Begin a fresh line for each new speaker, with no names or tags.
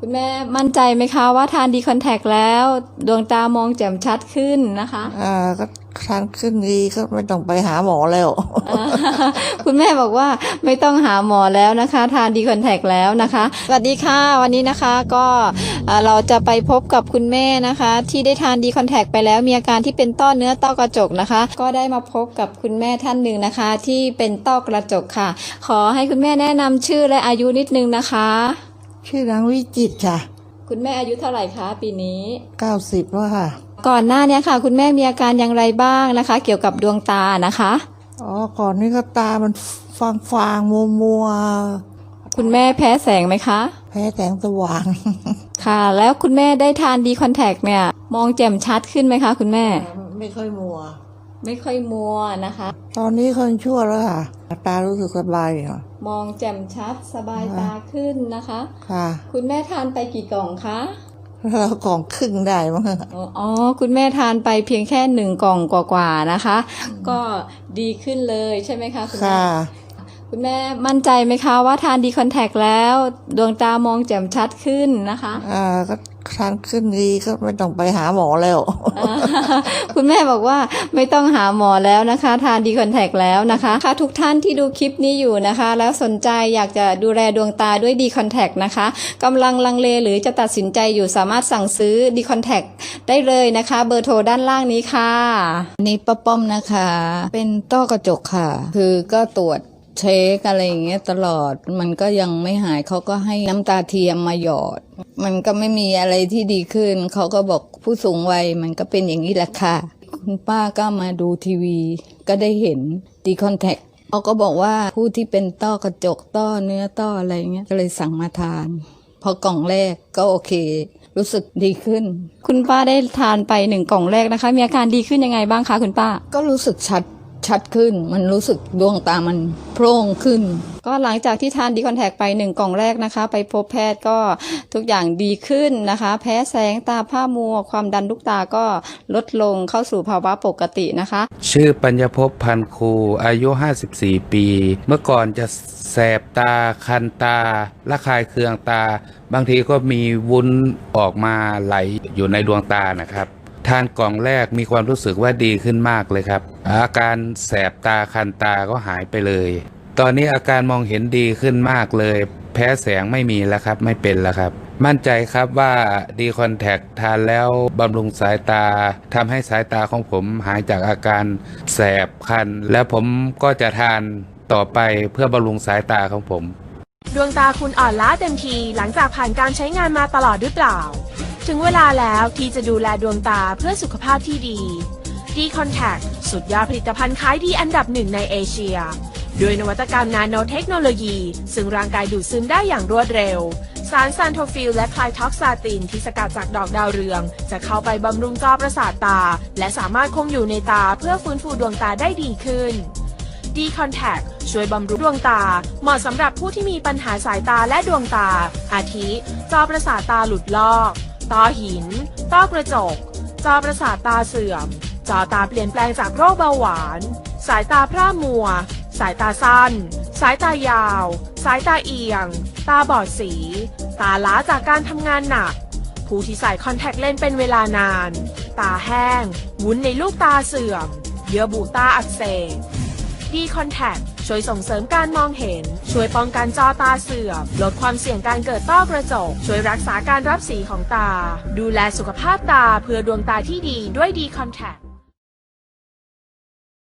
คุณแม่มั่นใจไหมคะว่าทานดีคอนแทคแล้วดวงตามองแจ่มชัดขึ้นนะคะ
ก็ทานขึ้นดีก็ไม่ต้องไปหาหมอแล้ว
คุณแม่บอกว่าไม่ต้องหาหมอแล้วนะคะทานดีคอนแทคแล้วนะคะสวัสดีค่ะวันนี้นะคะก็เราจะไปพบกับคุณแม่นะคะที่ได้ทานดีคอนแทคไปแล้วมีอาการที่เป็นต้อเนื้อต้อกระจกนะคะก็ได้มาพบกับคุณแม่ท่านหนึ่งนะคะที่เป็นต้อกระจกค่ะขอให้คุณแม่แนะนำชื่อและอายุนิดนึงนะคะ
ชื่อนางวิจิตรค่ะ
คุณแม่อายุเท่าไหร่คะปีนี้
90แล้วค่ะ
ก่อนหน้านี้ค่ะคุณแม่มีอาการอย่างไรบ้างนะคะเกี่ยวกับดวงตานะคะ
ก่อนนี้ก็ตามันฟางมัว
คุณแม่แพ้แสงไหมคะ
แพ้แสงสว่าง
ค่ะแล้วคุณแม่ได้ทานดีคอนแทคเนี่ยมองแจ่มชัดขึ้นไหมคะคุณแม่
ไม่ค่อยมัว
นะคะ
ตอนนี้คนชั่วแล้วค่ะตารู้สึกสบายค่ะ
มองแจ่มชัดสบายตาขึ้นนะคะ
ค่ะ
คุณแม่ทานไปกี่กล่องคะ
เรากล่องครึ่งได้มั้ง
คุณแม่ทานไปเพียงแค่1 กล่องกว่าๆนะคะก็ดีขึ้นเลยใช่ไหมคะคุณแม่คุณแม่มั่นใจไหมคะว่าทานดีคอนแทคแล้วดวงตามองแจ่มชัดขึ้นนะคะ
ก็ทานขึ้นดีก็ไม่ต้องไปหาหมอแล้ว
คุณแม่บอกว่าไม่ต้องหาหมอแล้วนะคะทานดีคอนแทคแล้วนะคะค่ะทุกท่านที่ดูคลิปนี้อยู่นะคะแล้วสนใจอยากจะดูแลดวงตาด้วยดีคอนแทคนะคะกำลังลังเลหรือจะตัดสินใจอยู่สามารถสั่งซื้อดีคอนแทคได้เลยนะคะเบอร์โทรด้านล่างนี้ค่ะ
นี่ป้าป้อมนะคะเป็นต้อกระจกค่ะคือก็ตรวจเช็คอะไรอย่างเงี้ยตลอดมันก็ยังไม่หายเขาก็ให้น้ำตาเทียมมาหยอดมันก็ไม่มีอะไรที่ดีขึ้นเขาก็บอกผู้สูงวัยมันก็เป็นอย่างนี้แหละค่ะคุณป้าก็มาดูทีวีก็ได้เห็นดีคอนแทคเขาก็บอกว่าผู้ที่เป็นต้อกระจกต้อเนื้อต้ออะไรเงี้ยก็เลยสั่งมาทานพอกล่องแรกก็โอเครู้สึกดีขึ้น
คุณป้าได้ทานไป1 กล่องแรกนะคะมีอาการดีขึ้นยังไงบ้างคะคุณป้า
ก็รู้สึกชัดขึ้นมันรู้สึกดวงตามันโพร่งขึ้น
ก็หลังจากที่ทานดีคอนแทคไป1 กล่องแรกนะคะไปพบแพทย์ก็ทุกอย่างดีขึ้นนะคะแพ้แสงตาผ้ามัวความดันลูกตาก็ลดลงเข้าสู่ภาวะปกตินะคะ
ชื่อปัญญภพพันคูอายุ54 ปีเมื่อก่อนจะแสบตาคันตาระคายเคืองตาบางทีก็มีวุ้นออกมาไหลอยู่ในดวงตานะครับทานกล่องแรกมีความรู้สึกว่าดีขึ้นมากเลยครับอาการแสบตาคันตาก็หายไปเลยตอนนี้อาการมองเห็นดีขึ้นมากเลยแพ้แสงไม่มีแล้วครับไม่เป็นแล้วครับมั่นใจครับว่าดีคอนแทคทานแล้วบำรุงสายตาทำให้สายตาของผมหายจากอาการแสบคันแล้วผมก็จะทานต่อไปเพื่อบำรุงสายตาของผม
ดวงตาคุณอ่อนล้าเต็มทีหลังจากผ่านการใช้งานมาตลอดหรือเปล่าถึงเวลาแล้วที่จะดูแลดวงตาเพื่อสุขภาพที่ดีดีคอนแทคสุดยอดผลิตภัณฑ์ขายดีอันดับ1ในเอเชียด้วยนวัตกรรมนาโนเทคโนโลยีซึ่งร่างกายดูดซึมได้อย่างรวดเร็วสารซันโทฟิลและไคลท็อกซาตินที่สกัดจากดอกดาวเรืองจะเข้าไปบำรุงจอประสาทตาและสามารถคงอยู่ในตาเพื่อฟื้นฟูดวงตาได้ดีขึ้นดีคอนแทคช่วยบำรุงดวงตาเหมาะสำหรับผู้ที่มีปัญหาสายตาและดวงตาอาทิจอประสาทตาหลุดลอกต้อหินต้อกระจกจอประสาทตาเสื่อมจอตาเปลี่ยนแปลงจากโรคเบาหวานสายตาพร่ามัวสายตาสั้นสายตายาวสายตาเอียงตาบอดสีตาล้าจากการทำงานหนักผู้ที่ใส่คอนแทคเลนส์เป็นเวลานานตาแห้งวุ้นในลูกตาเสื่อมเยื่อบุตาอักเสบดีคอนแทคช่วยส่งเสริมการมองเห็นช่วยป้องกันจอตาเสื่อมลดความเสี่ยงการเกิดต้อกระจกช่วยรักษาการรับสีของตาดูแลสุขภาพตาเพื่อดวงตาที่ดีด้วยดีคอนแทค